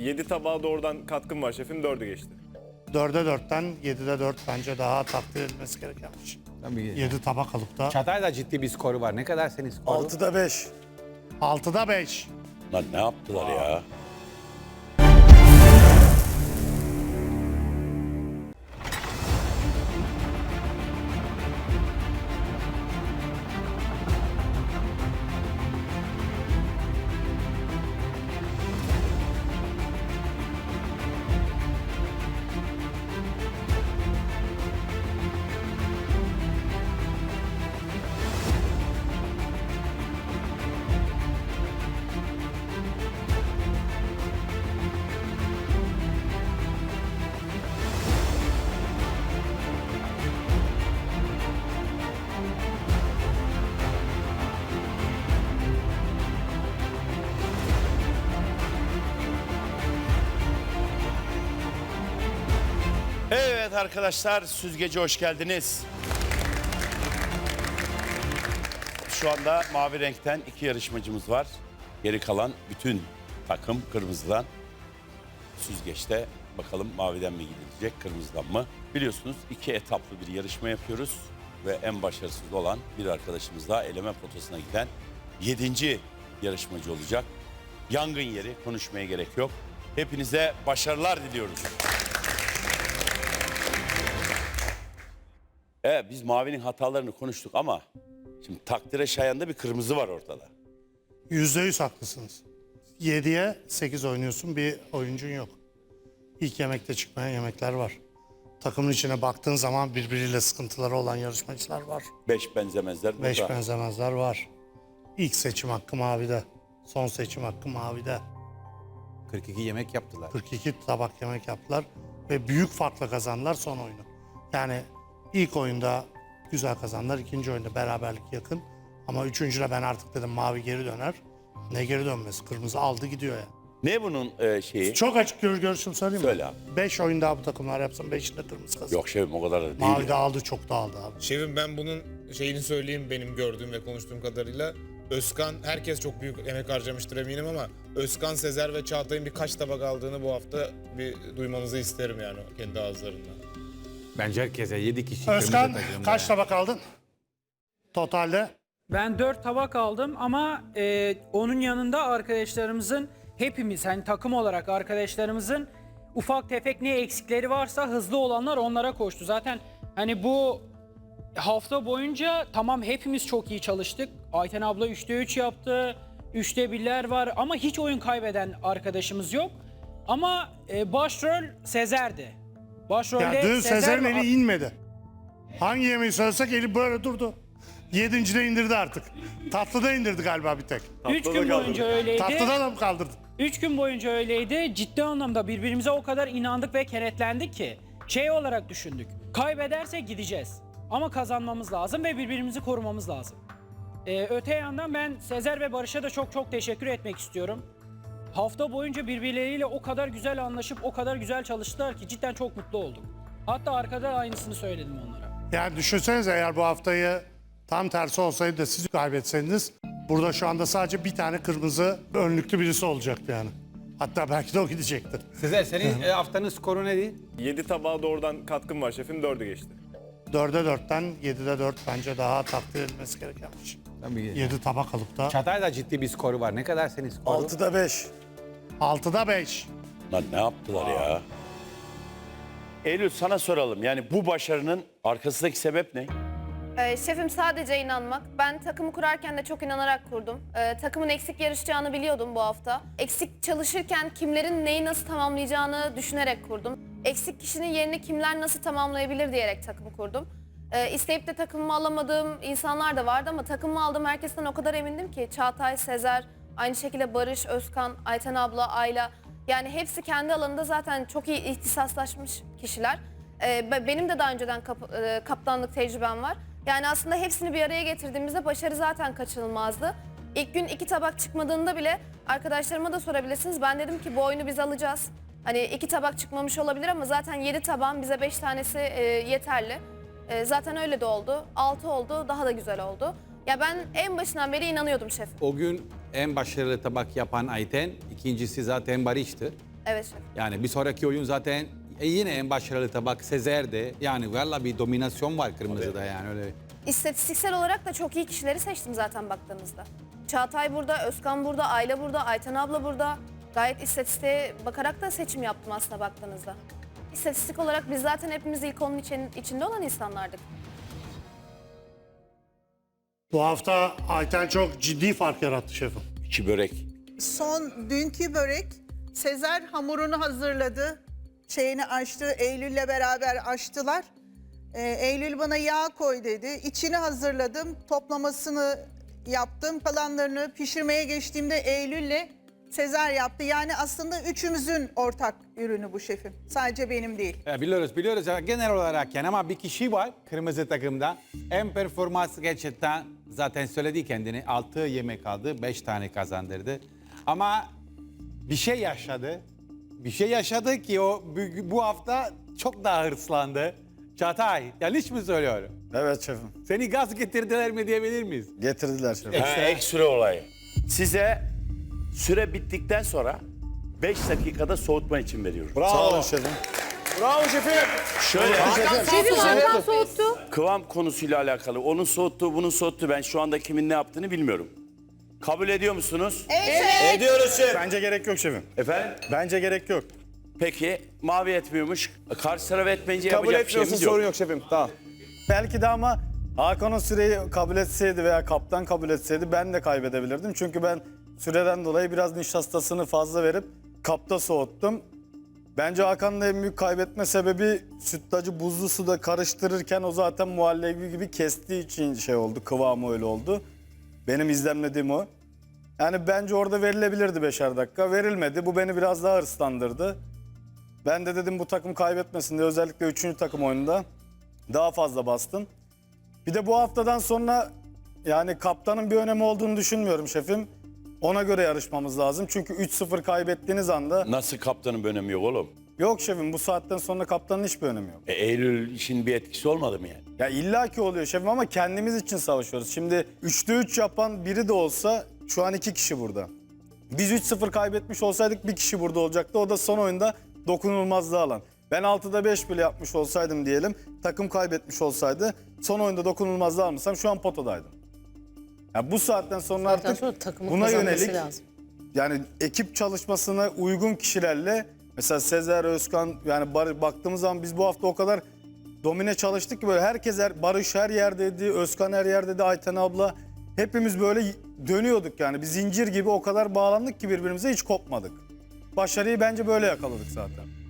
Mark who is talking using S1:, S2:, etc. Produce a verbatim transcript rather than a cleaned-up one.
S1: yedi tabağa doğrudan katkım var şefim, dördü geçti.
S2: dörde dörtten yedide dört bence daha takdir edilmesi gereken bir şey.
S3: Tabii.
S2: yedi tabak alıp da
S3: Çağatay da ciddi bir skoru var. Ne kadar senin skoru?
S4: altıda beş.
S2: altıda beş.
S5: Lan ne yaptılar ya? Evet arkadaşlar, süzgece hoş geldiniz. Şu anda mavi renkten iki yarışmacımız var. Geri kalan bütün takım kırmızıdan. Süzgeçte bakalım maviden mi gidilecek, kırmızıdan mı? Biliyorsunuz iki etaplı bir yarışma yapıyoruz. Ve en başarısız olan bir arkadaşımız daha eleme potasına giden yedinci yarışmacı olacak. Yangın yeri, konuşmaya gerek yok. Hepinize başarılar diliyoruz. Evet, biz mavinin hatalarını konuştuk ama şimdi takdire şayan da bir kırmızı var ortada.
S2: Yüzde yüz haklısınız. yediye sekiz oynuyorsun, bir oyuncun yok. İlk yemekte çıkmayan yemekler var. Takımın içine baktığın zaman birbiriyle sıkıntıları olan yarışmacılar var.
S5: Beş benzemezler burada.
S2: Beş benzemezler var. İlk seçim hakkı mavide. Son seçim hakkı mavide.
S3: kırk iki yemek yaptılar.
S2: kırk iki tabak yemek yaptılar ve büyük farkla kazandılar son oyunu. Yani ilk oyunda güzel kazandılar, ikinci oyunda beraberlik yakın. Ama üçüncüde ben artık dedim mavi geri döner. Ne geri dönmesi? Kırmızı aldı gidiyor ya.
S5: Ne bunun e, şeyi?
S2: Çok açık gör görüşüm söyleyeyim mi?
S5: Söyle abi.
S2: Beş oyun daha bu takımlar yapsın, beşinde kırmızı kazanır.
S5: Yok şefim, o kadar da değil.
S2: Mavi de
S5: ya.
S2: aldı, çok da aldı abi.
S6: Şefim ben bunun şeyini söyleyeyim benim gördüğüm ve konuştuğum kadarıyla. Özkan, herkes çok büyük emek harcamıştır eminim ama Özkan, Sezer ve Çağatay'ın birkaç tabak aldığını bu hafta bir duymanızı isterim yani kendi ağızlarından.
S3: Bence herkese yedi kişi
S2: Özkan
S3: kırmızı takımda.
S2: kaç tabak aldın? Totalde?
S7: Ben dört tabak aldım ama e, onun yanında arkadaşlarımızın hepimiz hani takım olarak arkadaşlarımızın ufak tefek ne eksikleri varsa hızlı olanlar onlara koştu. Zaten hani bu hafta boyunca tamam hepimiz çok iyi çalıştık. Ayten abla üçte üç yaptı. üçte birler var ama hiç oyun kaybeden arkadaşımız yok. Ama e, başrol Sezer'di. Başrolde
S2: Ya dün
S7: Sezer
S2: Sezer'in
S7: ve-
S2: eli inmedi. Hangi yemeği söylesek eli böyle durdu. Yedincide indirdi artık. Tatlıda indirdi galiba bir tek.
S7: Üç
S1: Tatlıda
S7: gün
S1: kaldı.
S7: boyunca öyleydi.
S2: Tatlıda da mı kaldırdı?
S7: Üç gün boyunca öyleydi. Ciddi anlamda birbirimize o kadar inandık ve kenetlendik ki şey olarak düşündük. Kaybedersek gideceğiz. Ama kazanmamız lazım ve birbirimizi korumamız lazım. Ee, öte yandan ben Sezer ve Barış'a da çok çok teşekkür etmek istiyorum. Hafta boyunca birbirleriyle o kadar güzel anlaşıp o kadar güzel çalıştılar ki cidden çok mutlu oldum. Hatta arkada aynısını söyledim onlara.
S2: Yani düşünsenize eğer bu haftayı tam tersi olsaydı da siz kaybetseydiniz burada şu anda sadece bir tane kırmızı önlüklü birisi olacaktı yani. Hatta belki de o gidecektir.
S3: Sezer senin e, haftanın skoru neydi?
S1: yedi tabağa doğrudan katkım var şefim, dördü geçti.
S2: dörde dörtten yedide dört bence daha takdir edilmesi gereken bir şey.
S3: Tabii.
S2: yedi tabak alıp da
S3: Çağatay da ciddi bir skoru var. Ne kadar senin skoru?
S4: altıda beş.
S2: altıda beş.
S5: Lan ne yaptılar ya? Eylül, sana soralım. Yani bu başarının arkasındaki sebep ne?
S8: Ee, şefim sadece inanmak. Ben takımı kurarken de çok inanarak kurdum. Ee, takımın eksik yarışacağını biliyordum bu hafta. Eksik çalışırken kimlerin neyi nasıl tamamlayacağını düşünerek kurdum. Eksik kişinin yerini kimler nasıl tamamlayabilir diyerek takımı kurdum. Ee, isteyip de takımımı alamadığım insanlar da vardı ama takımımı aldığım herkesten o kadar emindim ki. Çağatay, Sezer, aynı şekilde Barış, Özkan, Ayten abla, Ayla. Yani hepsi kendi alanında zaten çok iyi ihtisaslaşmış kişiler. Ee, be- benim de daha önceden kap- e, kaptanlık tecrübem var. Yani aslında hepsini bir araya getirdiğimizde başarı zaten kaçınılmazdı. İlk gün iki tabak çıkmadığında bile arkadaşlarıma da sorabilirsiniz. Ben dedim ki bu oyunu biz alacağız. Hani iki tabak çıkmamış olabilir ama zaten yedi tabağın bize beş tanesi e, yeterli. E, zaten öyle de oldu. Altı oldu, daha da güzel oldu. Ya ben en başından beri inanıyordum şef.
S3: O gün en başarılı tabak yapan Ayten, ikincisi zaten Barış'tı.
S8: Evet şef.
S3: Yani bir sonraki oyun zaten e, yine en başarılı tabak Sezer'de. Yani valla bir dominasyon var kırmızıda yani öyle.
S8: İstatistiksel olarak da çok iyi kişileri seçtim zaten baktığınızda. Çağatay burada, Özkan burada, Ayla burada, Ayten abla burada. Gayet istatistiğe bakarak da seçim yaptım aslında baktığınızda. İstatistik olarak biz zaten hepimiz ilk onun için, içinde olan insanlardık.
S2: Bu hafta Ayten çok ciddi fark yarattı şefim.
S5: İki börek.
S4: Son dünkü börek, Sezer hamurunu hazırladı. Şeyini açtı, Eylül'le beraber açtılar. Ee, Eylül bana yağ koy dedi. İçini hazırladım, toplamasını yaptım. Kalanlarını pişirmeye geçtiğimde Eylül'le Sezer yaptı. Yani aslında üçümüzün ortak ürünü bu şefim. Sadece benim değil.
S3: Ya biliyoruz biliyoruz ya genel olarak yani ama bir kişi var kırmızı takımda. En performans gerçekten zaten söyledi kendini. Altı yemek aldı, beş tane kazandırdı. Ama bir şey yaşadı. Bir şey yaşadı ki o bu, bu hafta çok daha hırslandı. Çağatay, yanlış mı söylüyorum?
S9: Evet şefim.
S3: Seni gaz getirdiler mi diyebilir miyiz?
S9: Getirdiler şefim.
S5: Ha, ek süre olayı. Size süre bittikten sonra beş dakikada soğutma için veriyoruz.
S9: Sağ olun şefim.
S1: Bravo şefim.
S5: Şöyle
S8: Şefim Hakan soğuttu.
S5: kıvam konusuyla alakalı. Onun soğuttuğu, bunun soğuttuğu. Ben şu anda kimin ne yaptığını bilmiyorum. Kabul ediyor musunuz?
S8: Evet.
S1: Ediyoruz şef.
S9: Bence gerek yok şefim.
S5: Efendim?
S9: Bence gerek yok.
S5: Peki mavi etmiyormuş. Karşı taraf etmeyince
S1: Kabul
S5: yapacak bir şeyimiz
S1: etmiyorsun
S5: yok.
S1: sorun yok şefim. Tamam.
S9: Belki de ama Hakan o süreyi kabul etseydi veya kaptan kabul etseydi ben de kaybedebilirdim. Çünkü ben süreden dolayı biraz nişastasını fazla verip kapta soğuttum. Bence Hakan'ın en büyük kaybetme sebebi sütlacı buzlu suda karıştırırken o zaten muhallebi gibi kestiği için şey oldu. Kıvamı öyle oldu. Benim izlemlediğim o. Yani bence orada verilebilirdi beşer dakika. Verilmedi. Bu beni biraz daha hırslandırdı. Ben de dedim bu takım kaybetmesin diye özellikle üçüncü takım oyununda daha fazla bastım. Bir de bu haftadan sonra yani kaptanın bir önemi olduğunu düşünmüyorum şefim. Ona göre yarışmamız lazım. Çünkü üç sıfır kaybettiğiniz anda...
S5: Nasıl kaptanın bir önemi yok oğlum?
S9: Yok şefim bu saatten sonra kaptanın hiçbir önemi yok.
S5: E, Eylül işin bir etkisi olmadı mı yani?
S9: Ya illaki oluyor şefim ama kendimiz için savaşıyoruz. Şimdi üçte üç yapan biri de olsa şu an iki kişi burada. Biz üç sıfır kaybetmiş olsaydık bir kişi burada olacaktı. O da son oyunda dokunulmazlığı alan. Ben altıda beş bile yapmış olsaydım diyelim, takım kaybetmiş olsaydı son oyunda dokunulmazlığı almasam şu an potadaydım. Ya bu saatten sonra
S10: Zaten
S9: artık
S10: sonra takımın
S9: buna
S10: kazanması
S9: yönelik
S10: lazım.
S9: yani ekip çalışmasına uygun kişilerle mesela Sezer, Özkan yani Bar- baktığımız zaman biz bu hafta o kadar domine çalıştık ki böyle herkes her, Barış her yerdeydi, Özkan her yerdeydi, Ayten abla hepimiz böyle dönüyorduk yani bir zincir gibi o kadar bağlandık ki birbirimize hiç kopmadık. Başarıyı bence böyle yakaladık zaten.